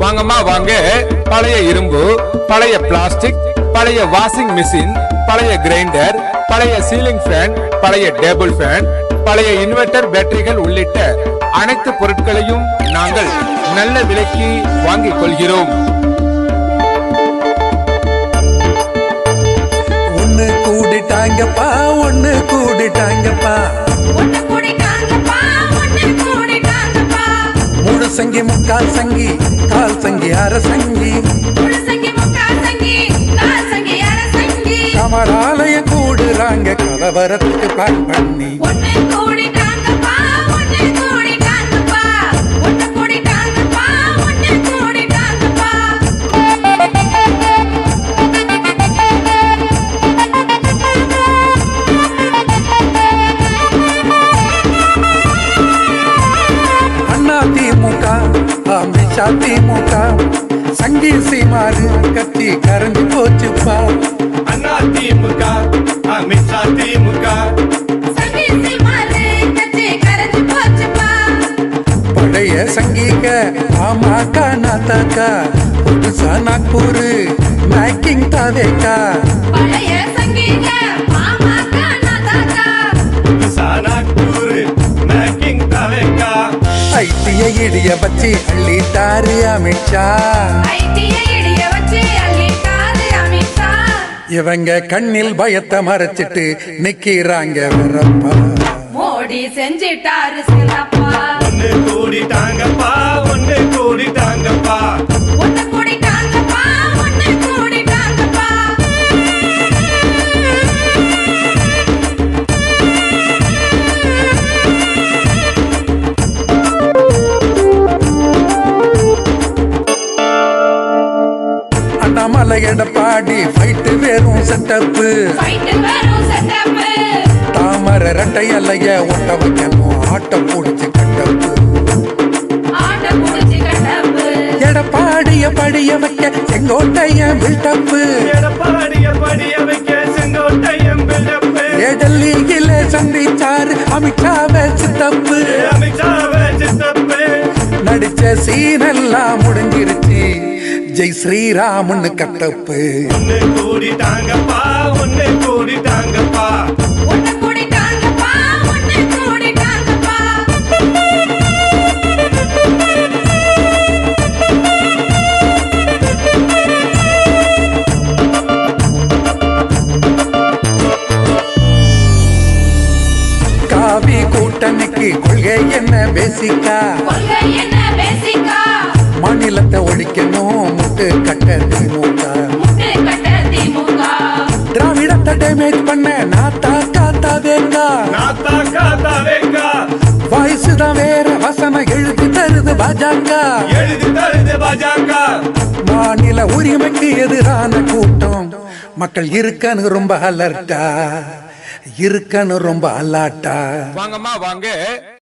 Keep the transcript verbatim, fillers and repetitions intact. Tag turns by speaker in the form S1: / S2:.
S1: வாங்கம்மா வாங்க. பழைய இரும்பு, பழைய பிளாஸ்டிக், பழைய வாஷிங் மிஷின், பழைய கிரைண்டர், பழைய சீலிங் ஃபேன், பழைய டேபிள் ஃபேன், பழைய இன்வெர்டர் பேட்டரிகள் உள்ளிட்ட அனைத்து பொருட்களையும் நாங்கள் நல்ல விலைக்கு வாங்கிக் கொள்கிறோம்.
S2: ஒன்னு கூடிட்டாங்கப்பா, ஒன்னு கூடிட்டாங்கப்பா, மூணு சங்கி முக்கால் சங்கி, கால் சங்கி அரை சங்கி, கமராலய கூடுறாங்க கலவரத்துக்கு பிளான் பண்ணி. திமுக சங்கி சீமாறு கட்சி கரைஞ்சு போச்சுப்பா.
S3: அண்ணா திமுக, அமித்ஷா திமுக,
S2: பழைய சங்கீக பாமக நாத்தாக்கா, புதுசா நாக்பூர் மேக்கிங் தாவேக்கா. ஐடிய இடிய வச்சு அள்ளிட்டாரு அமித்ஷா. இவங்க கண்ணில் பயத்தை மறைச்சிட்டு நிக்கிறாங்க வரப்பா.
S4: மோடி செஞ்சிட்டாரு சிறப்பா.
S3: ஒன்னு கூடிட்டாங்கப்பா, ஒன்னு கூடிட்டாங்கப்பா,
S4: ஒன்னு கூடிட்டாங்கப்பா, ஒன்னு கூடிட்டாங்கப்பா.
S2: அண்ணாமலை எடப்பாடி ஃபைட்டு வெறும் செட்டப்பு, தாமர ரெட்டை அலைய ஒட்ட வைக்கணும் ஆட்ட பூடிச்சு கட்டப்பு. எடப்பாடிய படிய வைக்க செங்கோட்டைய பில்டப்பு, டெல்லியில சந்திச்சாரு அமித்ஷாவை சித்தப்பு. நடிச்ச சீனெல்லாம் முடிஞ்சிருச்சு, ஜெய் ஸ்ரீராமன்னு கட்டப்பு.
S3: ஒன்னு கூடிட்டாங்கப்பா, ஒன்னு கூடிட்டாங்கப்பா,
S4: ஒன்னு கூடிட்டாங்கப்பா, ஒன்னு கூடிட்டாங்கப்பா.
S2: காவி கூட்டணிக்கு கொள்கை என்ன பேசிக்கா,
S4: கொள்கை என்ன பேசிக்கா,
S2: மாநிலத்தை ஒழிக்கணும் முட்டு கட்ட திமுக.
S4: முட்டு கட்ட திமுக,
S2: திராவிடத்தை டேமேஜ் பண்ண நாத்தா காத்தா வேங்கா.
S3: நாத்தா காத்தா வேங்கா,
S2: வாய்ஸ் தான் வேற வசனம் எழுதி தருது பாஜக,
S3: எழுதி தருது பாஜக.
S2: மாநில உரிமைக்கு எதிரான கூட்டம், மக்கள் இருக்கன்னு ரொம்ப அலர்ட்டா, இருக்கன்னு ரொம்ப அலாட்டா.
S1: வாங்கம்மா வாங்க.